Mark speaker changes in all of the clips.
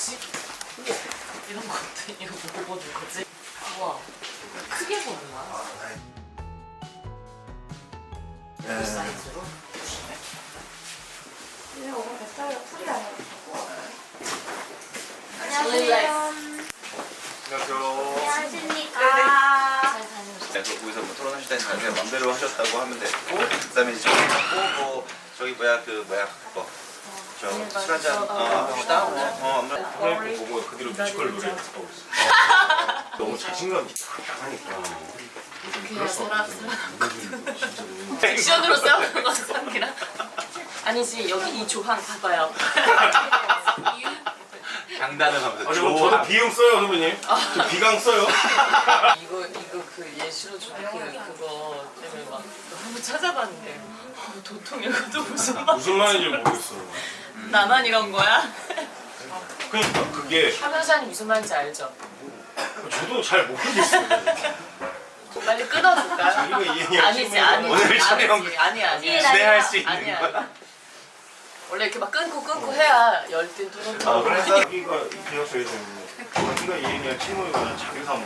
Speaker 1: 뭐지? 우와 이런 것도 이거 뭐 보는 거지? 우와 크게 보는 거야? 이 사이즈로?
Speaker 2: 안녕하세요.
Speaker 3: 안녕하십니까.
Speaker 1: 잘 다녀오셨어요?
Speaker 2: 네, 거기서 뭐 토론하실 때는 자기가 맘대로 하셨다고 하면 되고, 그다음에 이제 저기 갖고 뭐 저기 뭐야 그거 저 술 한잔 합시다.
Speaker 4: 선생님 보고 그대로 뮤지컬 노래 하고 있어. 너무 자신감이 딱 하니까.
Speaker 1: 그냥 사람 액션으로 싸우는 거 상기랑 아니지 여기 이 조항 봐봐요.
Speaker 2: 장단을 하면서
Speaker 4: 저도 비용 써요 선배님. 저 비강 써요.
Speaker 1: 이거 그 예시로 준 그거 때문에 막 너무 찾아봤는데 도통 이것도 무슨 말?
Speaker 4: 무슨 말인지 모르겠어요.
Speaker 1: 나만 이런 거야?
Speaker 4: 그러니까 그게
Speaker 1: 하면서는 무슨 말인지 알죠?
Speaker 4: 저도 잘 모르겠어요.
Speaker 1: 빨리 끊어줄까요?
Speaker 4: 자기가 이해해야
Speaker 1: 아니지 아니지
Speaker 2: 오늘 촬영
Speaker 1: 아니지 아니야
Speaker 2: 진행할 수 있는
Speaker 1: 아니야
Speaker 2: 거야.
Speaker 1: 원래 이렇게 막 끊고 해야 열띤 토론.
Speaker 4: 그래서 자기가 이 계약서에서 자기가 이해해야 채무이거나 자기 사무.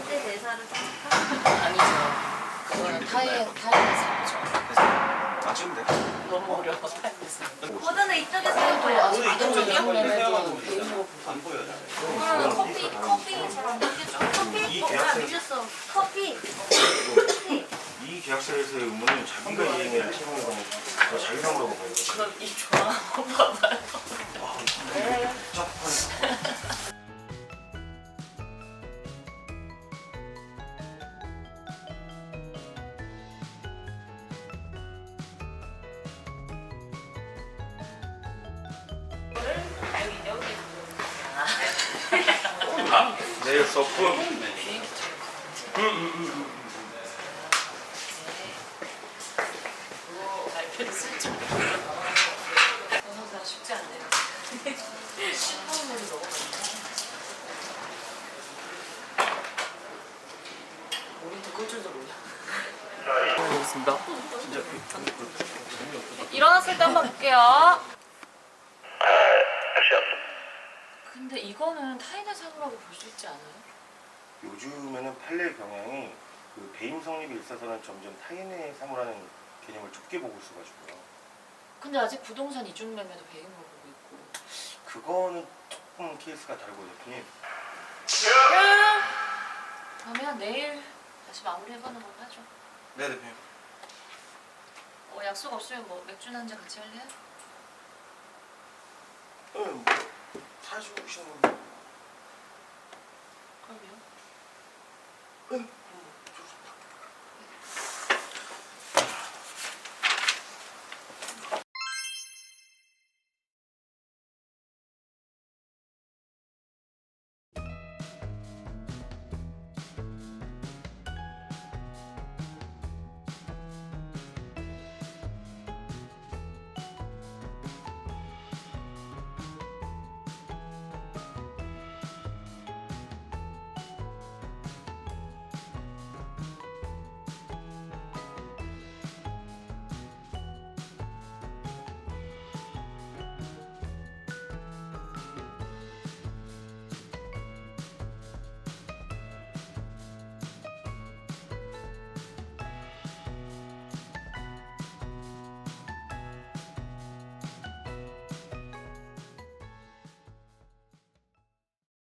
Speaker 1: 아니죠. 그거는 타인의
Speaker 2: 맞추면 돼.
Speaker 1: 삶이죠. 너무 어려워 타인의
Speaker 3: 모드는 이쪽에서 해봐요.
Speaker 1: 아직 이쪽이요?
Speaker 2: 안 보여요.
Speaker 3: 커피 잘 안 느껴져. 커피?
Speaker 4: 이
Speaker 3: 안
Speaker 4: 계약서에
Speaker 3: 미쳤어. 커피.
Speaker 4: 이 계약서에서의 의무는 자기가 이해해야 채무이거나 자기 사무라고 봐요.
Speaker 1: 그럼 이 조항 한번 봐봐요.
Speaker 4: 내일 서프.
Speaker 1: 발표를 쓸 줄. 영상사 쉽지 않네요. 10분이 너무 많네. 우리도 끌 줄도 몰라. 알겠습니다. 일어났을 때 한번 볼게요. 근데 이거는 타인의 사고라고 볼 수 있지 않아요?
Speaker 4: 요즘에는 판례 경향이 그 배임 성립에 있어서는 점점 타인의 사무라는 개념을 좁게 보고 있어가지고요.
Speaker 1: 근데 아직 부동산 이중 매매도 배임으로 보고 있고.
Speaker 4: 그거는 조금 케이스가 다르고 대표님.
Speaker 1: 그러면 내일 다시 마무리해보는 걸로 하죠.
Speaker 2: 네 대표님.
Speaker 1: 약속 없으면 뭐 맥주나 한잔 같이 할래요?
Speaker 4: 뭐 사주시는 분.
Speaker 1: 그럼요.
Speaker 4: 응.